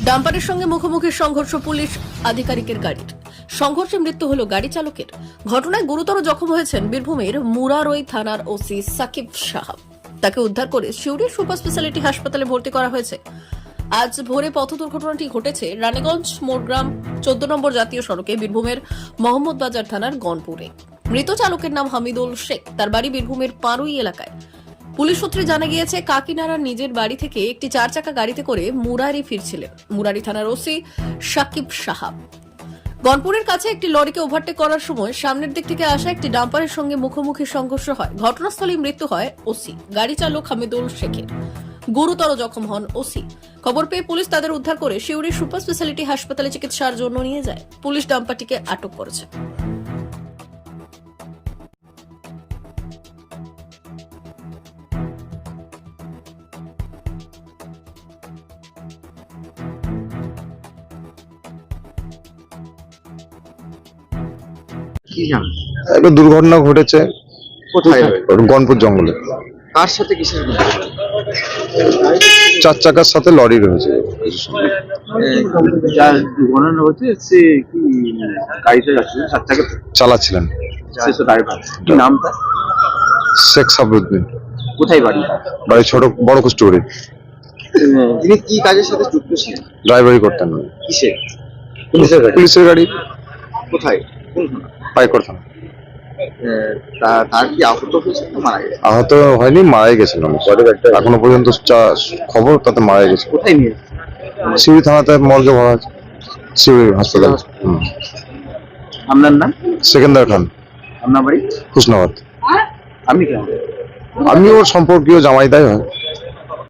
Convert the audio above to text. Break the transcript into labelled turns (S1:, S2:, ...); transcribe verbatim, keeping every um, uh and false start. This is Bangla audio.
S1: ডাম্পারের সঙ্গে মুখোমুখি সংঘর্ষ পুলিশ আধিকারিকের গাড়ির সংঘর্ষে মৃত্যু হল গাড়ি চালকের। ঘটনায় গুরুতর জখম হয়েছেন বীরভূমের মুরারই থানার ওসি সাকিব সাহাব। তাকে উদ্ধার করে সিউড়ি সুপার স্পেশালিটি হাসপাতালে ভর্তি করা হয়েছে। আজ ভোরে পথ দুর্ঘটনাটি ঘটেছে রানীগঞ্জ মোড়গ্রাম চোদ্দ নম্বর জাতীয় সড়কে বীরভূমের মোহাম্মদ বাজার থানার গনপুরে। মৃত চালকের নাম হামিদুল শেখ, তার বাড়ি বীরভূমের পারুই এলাকায়। পুলিশ সূত্রে জানা গিয়েছে কাকিনাড়ার নিজের বাড়ি থেকে একটি চার চাকা গাড়িতে করে মুরারি ফিরছিলেন মুরারি থানার ওসি সাকিব সাহাব। গনপুরের কাছে একটি লরিকে ওভারটেক করার সময় সামনের দিক থেকে আসা একটি ডাম্পারের সঙ্গে মুখোমুখি সংঘর্ষ হয়। ঘটনাস্থলেই মৃত্যু হয় ওসি গাড়ি চালক হামিদুল শেখের। গুরুতর জখম হন ওসি। খবর পেয়ে পুলিশ তাদের উদ্ধার করে সিউড়ি সুপার স্পেশালিটি হাসপাতালে চিকিৎসার জন্য নিয়ে যায়। পুলিশ ডাম্পারটিকে আটক করেছে।
S2: কি জানেন?
S3: একটা দুর্ঘটনা ঘটেছে
S2: কোথায়?
S3: গনপুর জঙ্গলে।
S2: কার সাথে কিসের মধ্যে?
S3: চার চাকার সাথে লরি রয়েছে।
S2: যার দুর্ঘটনা হচ্ছে সে কি মানে গাড়িতে যাচ্ছিল, চার চাকাতে
S3: চালাচ্ছিলেন
S2: সে তো ড্রাইভার। কি নামটা?
S3: শেখ সাবরুদ্দিন।
S2: কোথায় বাড়ি?
S3: বাড়ি ছোট বড় কুষ্টুরি।
S2: তিনি কি কাজের সাথে যুক্ত ছিলেন?
S3: ড্রাইভারি করতেন।
S2: কিসে? পুলিশের গাড়ি?
S3: পুলিশের গাড়ি।
S2: কোথায়? কোন থানা?
S3: পাই করতাম।
S2: তা- তার কি আহত হয়েছে না মারা গেছে?
S3: আহত হয়নি, মারাই গেছিল। এখনো পর্যন্ত যা খবর তাতে মারা গেছে।
S2: কোথায় নিয়ে?
S3: সিউড়ি থানাতে মর্গে ভরা আছে। সিউড়ি হাসপাতাল। হুম।
S2: আপনার নাম?
S3: সেকেন্দার খান,
S2: আপনার বাড়ি?
S3: হুসনাবাদ।
S2: আপনি কেন?
S3: আমি ওর সম্পর্কীয় জামাইদাই হয়।